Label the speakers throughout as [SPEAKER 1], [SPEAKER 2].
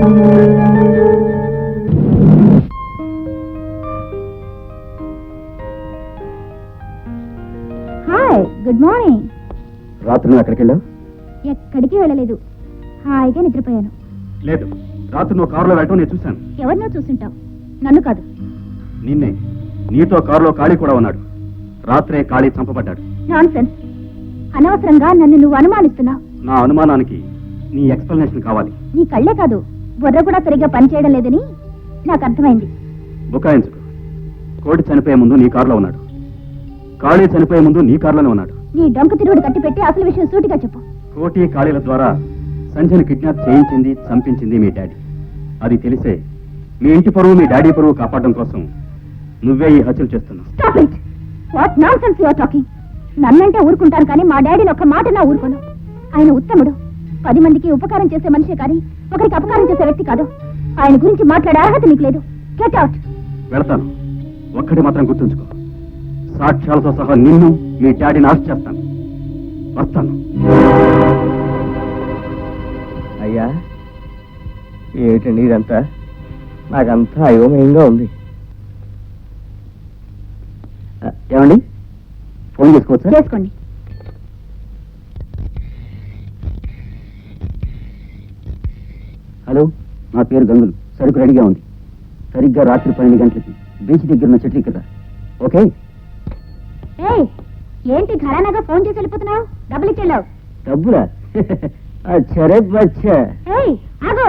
[SPEAKER 1] Hi, good morning.
[SPEAKER 2] రాత్రి నువ్వు ఎక్కడికి వెళ్ళావు?
[SPEAKER 1] ఎక్కడికి వెళ్ళలేదు, హాయిగా నిద్రపోయాను.
[SPEAKER 2] లేదు, రాత్రి నువ్వు కారులో వెళ్ళటం నేను చూశాను.
[SPEAKER 1] ఎవరినో చూసుంటావు, నన్ను కాదు.
[SPEAKER 2] నిన్నే. నీతో కారులో ఖాళీ కూడా ఉన్నాడు. రాత్రే ఖాళీ చంపబడ్డాడు.
[SPEAKER 1] నాన్సెన్స్. అనవసరంగా నన్ను నువ్వు అనుమానిస్తున్నావు.
[SPEAKER 2] నా అనుమానానికి నీ ఎక్స్ప్లెనేషన్ కావాలి.
[SPEAKER 1] నీ కళ్ళే కాదు, బుర్ర కూడా సరిగ్గా పనిచేయడం లేదని నాకు అర్థమైంది.
[SPEAKER 2] బుకాయించుకు. కోడి చనిపోయే ముందు నీ కారులో ఉన్నాడు. ఖాళీ చనిపోయే ముందు నీ కారులోనే ఉన్నాడు.
[SPEAKER 1] నీ డొంక తిరుగుడు కట్టిపెట్టి అసలు విషయం సూటిగా చెప్పు.
[SPEAKER 2] కోటి ఖాళీల ద్వారా సంజయ్ని కిడ్నాప్ చేయించింది, చంపించింది మీ డాడీ. అది తెలిసే మీ ఇంటి పరువు, మీ డాడీ పరువు కాపాడడం కోసం నువ్వే ఈ హత్యలు చేస్తున్నావు.
[SPEAKER 1] Stop it! What nonsense you are talking? నన్నంటే ఊరుకుంటాను కానీ మా డాడీని ఒక్క మాట నా ఊరుకోను. ఆయన ఉత్తముడు, 10 మందికి ఉపకారం చేసే మనిషే కానీ ఒకరికి అపకారం చేసే వ్యక్తి కాదు. ఆయన గురించి మాట్లాడే అర్హత నీకు లేదు. Get out.
[SPEAKER 2] వెళతాను. ఒక్కటి మాత్రం గుర్తుంచుకో, సాక్ష్యాలతో సహా నిన్ను, మీ డాడీని అరెస్ట్ చేస్తాను. వస్తాను.
[SPEAKER 3] అయ్యా, ఏమిటండి ఇదంతా? నాకంతా అయోమయంగా ఉంది.
[SPEAKER 2] ఏమండి, ఫోన్ చేసుకోవచ్చా?
[SPEAKER 1] చేసుకోండి.
[SPEAKER 2] హలో, నా పేరు గంగులు. సరుకు రెడీగా ఉంది. సరిగ్గా రాత్రి 12 గంటలకి బీచ్ దగ్గర ఉన్న చెట్టు కదా. ఓకే?
[SPEAKER 1] ఏయ్, ఏంటి ఘరానాగా ఫోన్ చేసి వెళ్ళిపోతున్నావు? డబ్బులు ఇచ్చేళ్ళావు.
[SPEAKER 2] డబ్బులా? అచ్చరే బచ్చా.
[SPEAKER 1] ఏయ్, ఆగో.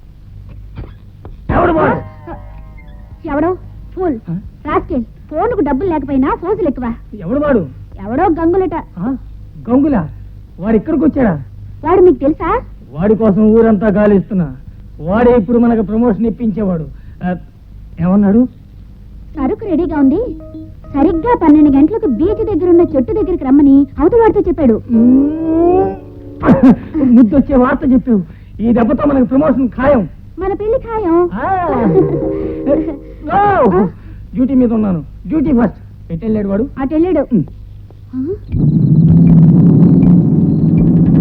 [SPEAKER 1] ఎవడో ఫూల్ రాస్కెల్. ఫోన్కు డబ్బులు లేకపోయినా ఫోజులు ఎక్కువ.
[SPEAKER 3] ఎవడు వాడు?
[SPEAKER 1] ఎవడో గంగులట.
[SPEAKER 3] గంగులా? వాడు ఇక్కడికి వచ్చాడా?
[SPEAKER 1] వాడు మీకు తెలుసా?
[SPEAKER 3] వాడి కోసం ఊరంతా గాలిస్తున్నా. వాడే ఇప్పుడు మనకు ప్రమోషన్ ఇప్పించేవాడు. ఏమన్నాడు?
[SPEAKER 1] సరుకు రెడీగా ఉంది, సరిగ్గా 12 గంటలకు బీచ్ దగ్గర ఉన్న చెట్టు దగ్గరికి రమ్మని అవతల వాడితో చెప్పాడు.
[SPEAKER 3] ముద్దొచ్చే వార్త చెప్పావు. ఈ దెబ్బతో మనకు ప్రమోషన్ ఖాయం.
[SPEAKER 1] మన పెళ్లి ఖాయం.
[SPEAKER 3] డ్యూటీ మీద ఉన్నాను. Duty first. ఎటు వెళ్ళాడు వాడు?
[SPEAKER 1] అటు వెళ్ళాడు.